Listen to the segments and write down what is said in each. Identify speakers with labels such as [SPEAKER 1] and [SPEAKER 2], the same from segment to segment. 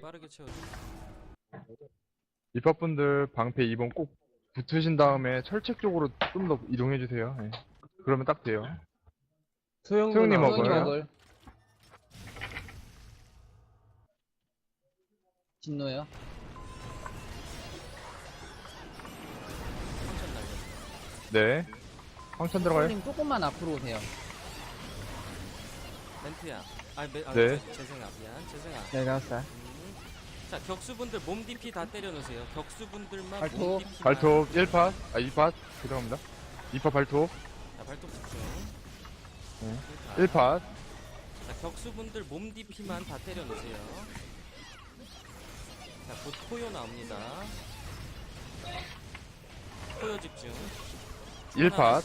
[SPEAKER 1] 빠르게 채워주고.
[SPEAKER 2] 입학분들 방패 2번 꼭 붙으신 다음에 철책 쪽으로 좀 더 이동해주세요. 네. 그러면 딱 돼요.
[SPEAKER 3] 소영
[SPEAKER 2] 소영님
[SPEAKER 3] 누나
[SPEAKER 2] 먹어요?
[SPEAKER 4] 먹을. 진노요.
[SPEAKER 1] 천천 날려.
[SPEAKER 2] 네. 황천 들어가요?
[SPEAKER 4] 님 조금만 앞으로 오세요.
[SPEAKER 1] 멘트야.
[SPEAKER 2] 네.
[SPEAKER 1] 재생아, 미안. 재생아.
[SPEAKER 3] 네, 나왔어요.
[SPEAKER 1] 자, 격수분들 몸 DP 다 때려놓으세요. 격수분들만
[SPEAKER 4] 발톱.
[SPEAKER 1] 몸 DP.
[SPEAKER 2] 발톱 1팟, 2팟. 죄송합니다. 2팟 발톱.
[SPEAKER 1] 자, 발톱 집중.
[SPEAKER 2] 네.
[SPEAKER 1] 1파.
[SPEAKER 2] 1팟.
[SPEAKER 1] 자, 격수분들 몸 DP만 다 때려놓으세요. 자, 곧 포효 나옵니다. 포효 집중.
[SPEAKER 2] 1팟.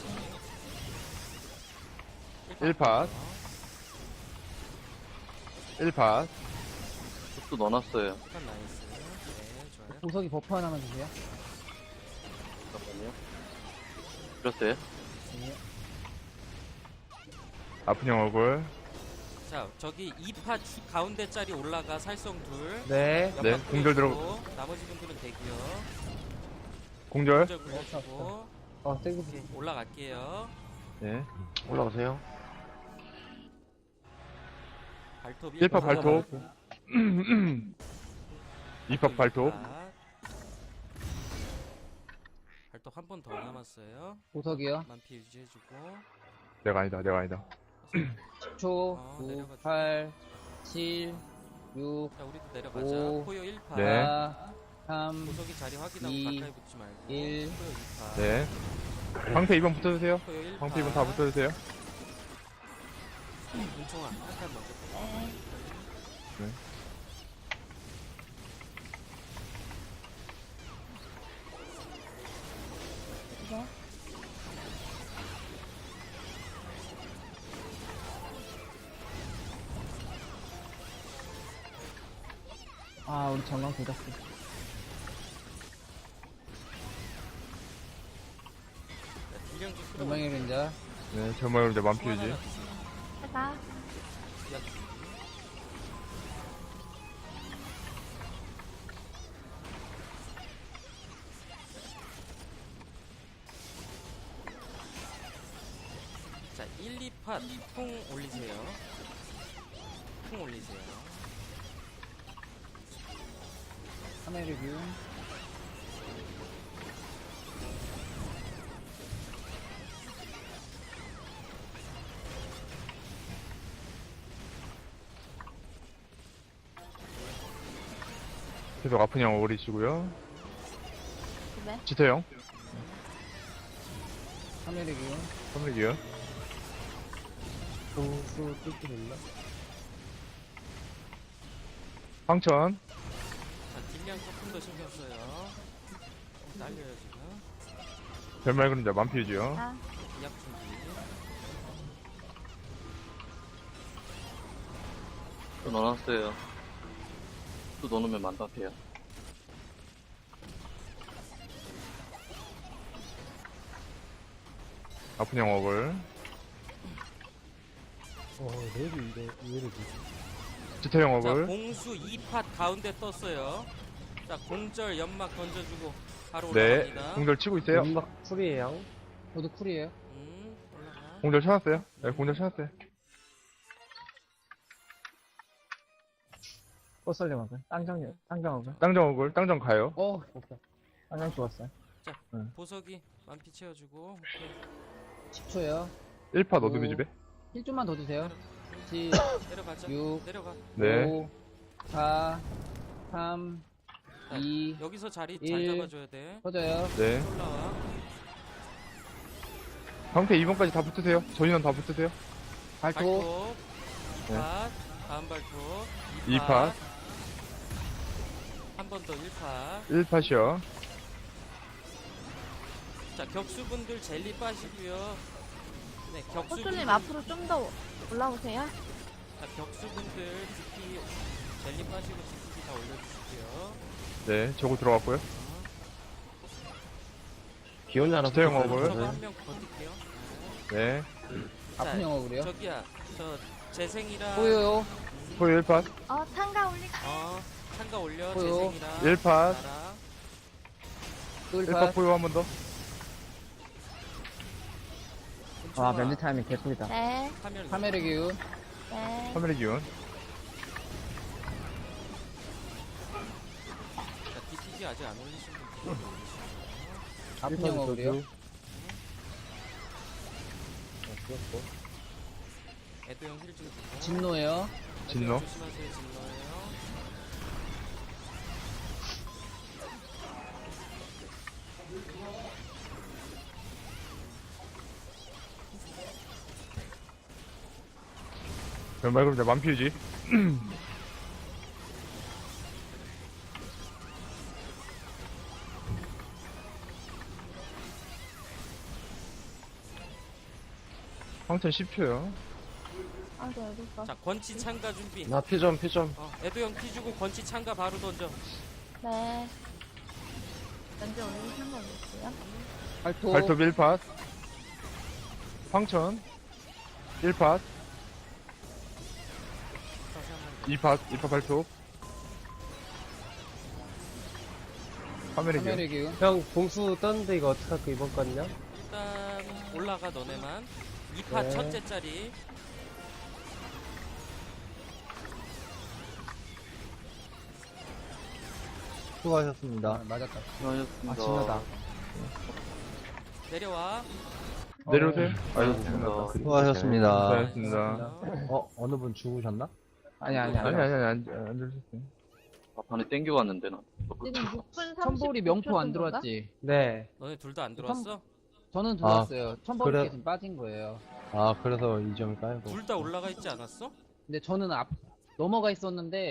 [SPEAKER 2] 1팟. 1팟.
[SPEAKER 5] 또 넣어놨어요.
[SPEAKER 1] 한 나이스. 네, 좋아요.
[SPEAKER 4] 보석이 버프 하나만 주세요.
[SPEAKER 5] 잠깐만요. 들었어요?
[SPEAKER 4] 네.
[SPEAKER 2] 아픈 형 얼굴.
[SPEAKER 1] 자, 저기 2파 가운데 짜리 올라가 살성 둘.
[SPEAKER 3] 네.
[SPEAKER 2] 네,
[SPEAKER 1] 옆방
[SPEAKER 2] 공절
[SPEAKER 1] 뚫어주고, 나머지 분들은 대기요.
[SPEAKER 2] 공절.
[SPEAKER 1] 공절 굴려주고
[SPEAKER 3] 세게
[SPEAKER 1] 올라갈게요.
[SPEAKER 2] 네.
[SPEAKER 5] 올라오세요.
[SPEAKER 1] 발톱
[SPEAKER 2] 1팟 발톱. 2팟 발톱.
[SPEAKER 1] 발톱 한 번 더 남았어요.
[SPEAKER 4] 보석이요.
[SPEAKER 1] 만피 유지해주고.
[SPEAKER 2] 내가 아니다, 내가 아니다.
[SPEAKER 4] 10초, 9,
[SPEAKER 1] 내려가죠.
[SPEAKER 4] 8, 7, 6,
[SPEAKER 1] 자, 우리도 내려가자.
[SPEAKER 4] 오.
[SPEAKER 1] 포효 1파.
[SPEAKER 2] 네.
[SPEAKER 4] 4, 3,
[SPEAKER 1] 보석이 자리 확인하고
[SPEAKER 4] 이,
[SPEAKER 1] 가까이 붙지 말고.
[SPEAKER 4] 1.
[SPEAKER 1] 포효 2파.
[SPEAKER 2] 네. 방패 2번 붙어주세요.
[SPEAKER 1] 포효 1파.
[SPEAKER 2] 방패 2번 다 붙어주세요.
[SPEAKER 1] 문총아, 한칸 먼저.
[SPEAKER 2] 네.
[SPEAKER 4] 아, 우리 정강 굳었어.
[SPEAKER 1] 자, 딜량 좀 끌어.
[SPEAKER 4] 전방의 그림자.
[SPEAKER 2] 네, 정말 이제 만피 유지.
[SPEAKER 6] 해가
[SPEAKER 1] 자, 1, 2파 풍 올리세요. 풍 올리세요.
[SPEAKER 4] 카메라 뷰.
[SPEAKER 2] 계속 아픈 형 오리시고요.
[SPEAKER 6] 네.
[SPEAKER 2] 지태 형.
[SPEAKER 4] 카메라 뷰.
[SPEAKER 2] 선물이요.
[SPEAKER 3] 공수 뚫기 됐나?
[SPEAKER 2] 황천.
[SPEAKER 1] 자, 딜량 조금 더 신경 써요. 날려요, 지금.
[SPEAKER 2] 별말 그림자 만피 유지요.
[SPEAKER 6] 아,
[SPEAKER 1] 이약 준비.
[SPEAKER 5] 또 넣어놨어요. 또 넣어놓으면 만답해요.
[SPEAKER 2] 아픈 형 얼굴.
[SPEAKER 3] 내일이 이거 이해를 주지.
[SPEAKER 2] 지태 형
[SPEAKER 1] 자,
[SPEAKER 2] 얼굴.
[SPEAKER 1] 공수 2팟 가운데 떴어요. 자, 공절 연막 던져주고 바로
[SPEAKER 2] 네.
[SPEAKER 1] 올라갑니다.
[SPEAKER 2] 공절 치고 있어요.
[SPEAKER 3] 연막 풀이에요.
[SPEAKER 4] 저도 쿨이에요.
[SPEAKER 1] 올라가.
[SPEAKER 2] 공절 찾았어요. 네, 공절 찾았어요.
[SPEAKER 3] 꽃설리 먹을. 땅정 먹을.
[SPEAKER 2] 땅정 얼굴. 땅정 가요.
[SPEAKER 3] 됐다. 땅정 죽었어요.
[SPEAKER 1] 보석이 만피 채워주고. 오케이.
[SPEAKER 4] 10초요.
[SPEAKER 2] 1팟 어둠의 집에.
[SPEAKER 4] 1좀만 더 주세요. 7,
[SPEAKER 1] 내려가자.
[SPEAKER 4] 6,
[SPEAKER 1] 내려가.
[SPEAKER 2] 네.
[SPEAKER 4] 5, 4, 3,
[SPEAKER 1] 자,
[SPEAKER 4] 2,
[SPEAKER 1] 여기서 자리 잘
[SPEAKER 4] 1.
[SPEAKER 1] 잡아줘야 돼.
[SPEAKER 4] 퍼져요.
[SPEAKER 2] 네.
[SPEAKER 1] 올라와.
[SPEAKER 2] 방패 2번까지 다 붙으세요. 전인원 다 붙으세요.
[SPEAKER 4] 발톱.
[SPEAKER 1] 발톱.
[SPEAKER 2] 네.
[SPEAKER 1] 2팟. 다음 발톱.
[SPEAKER 2] 2팟.
[SPEAKER 1] 한 번 더 1팟.
[SPEAKER 2] 1팟이요.
[SPEAKER 1] 자, 격수분들 젤리 빠시고요. 네, 격수분들.
[SPEAKER 6] 호수님 앞으로 좀 더 올라오세요.
[SPEAKER 1] 자, 격수분들 DP 젤리 빠시고 DP 다 올려주시고요.
[SPEAKER 2] 네, 저거 들어갔고요.
[SPEAKER 3] 기온이 하나
[SPEAKER 2] 지태 형 얼굴.
[SPEAKER 1] 저거 한 명 버틸게요.
[SPEAKER 2] 네.
[SPEAKER 4] 아픈 영어 그래요.
[SPEAKER 1] 저기야, 저 재생이랑
[SPEAKER 4] 보여요.
[SPEAKER 2] 포유 1팟.
[SPEAKER 6] 어, 탄가 올릴게.
[SPEAKER 1] 창가 올려.
[SPEAKER 4] 포요.
[SPEAKER 1] 재생이랑
[SPEAKER 2] 1팟.
[SPEAKER 1] 나라.
[SPEAKER 4] 또
[SPEAKER 2] 1팟
[SPEAKER 4] 1파.
[SPEAKER 2] 포효 한 번 더.
[SPEAKER 3] 아, 멘트 타이밍 개꿀이다.
[SPEAKER 6] 네.
[SPEAKER 1] 파멸.
[SPEAKER 4] 카메라 기운.
[SPEAKER 6] 네.
[SPEAKER 2] 화면의 기운.
[SPEAKER 1] 자, DPG 아직 안 올리신 분.
[SPEAKER 4] 아픈 영어 그래요.
[SPEAKER 1] 애도형 힐 좀 주고.
[SPEAKER 4] 진노예요.
[SPEAKER 2] 진노.
[SPEAKER 1] 조심하세요. 진노예요.
[SPEAKER 2] 말 그럼 이제 만피우지. 황천 10초요.
[SPEAKER 6] 아, 네, 여기 있어.
[SPEAKER 1] 자, 권치 창가 준비.
[SPEAKER 5] 나 피점.
[SPEAKER 1] 애도형 피 주고 권치 창가 바로 던져.
[SPEAKER 6] 네. 먼저 올리신 거 볼게요.
[SPEAKER 4] 발톱.
[SPEAKER 2] 발톱 1팟. 황천 1팟.
[SPEAKER 1] 다시 한번.
[SPEAKER 2] 2팟 발톱. 화면의 기운.
[SPEAKER 4] 카메라 기운.
[SPEAKER 3] 형, 봉수 떴는데 이거 어떡할까, 이번 건요?
[SPEAKER 1] 일단 올라가 너네만. 2파
[SPEAKER 3] 네.
[SPEAKER 1] 첫째 짜리.
[SPEAKER 3] 수고하셨습니다.
[SPEAKER 4] 아, 맞았다.
[SPEAKER 5] 수고하셨습니다.
[SPEAKER 3] 아, 진짜다.
[SPEAKER 1] 내려와.
[SPEAKER 2] 내려오세요.
[SPEAKER 5] 수고하셨습니다.
[SPEAKER 3] 수고하셨습니다.
[SPEAKER 2] 수고하셨습니다.
[SPEAKER 3] 어느 분 죽으셨나?
[SPEAKER 4] 아니
[SPEAKER 2] 아니, 안 들으셨어요.
[SPEAKER 5] 막판에 땡겨왔는데, 나.
[SPEAKER 6] 지금 6분 30초
[SPEAKER 4] 천볼이 명포 안 들어왔지.
[SPEAKER 3] 네.
[SPEAKER 1] 너네 둘 다 안 들어왔어?
[SPEAKER 4] 저는 들어왔어요. 천볼이
[SPEAKER 3] 그래.
[SPEAKER 4] 지금 빠진 거예요.
[SPEAKER 3] 아, 그래서 이 점을 깔고.
[SPEAKER 1] 둘 다 올라가 있지 않았어?
[SPEAKER 4] 근데 저는 앞 넘어가 있었는데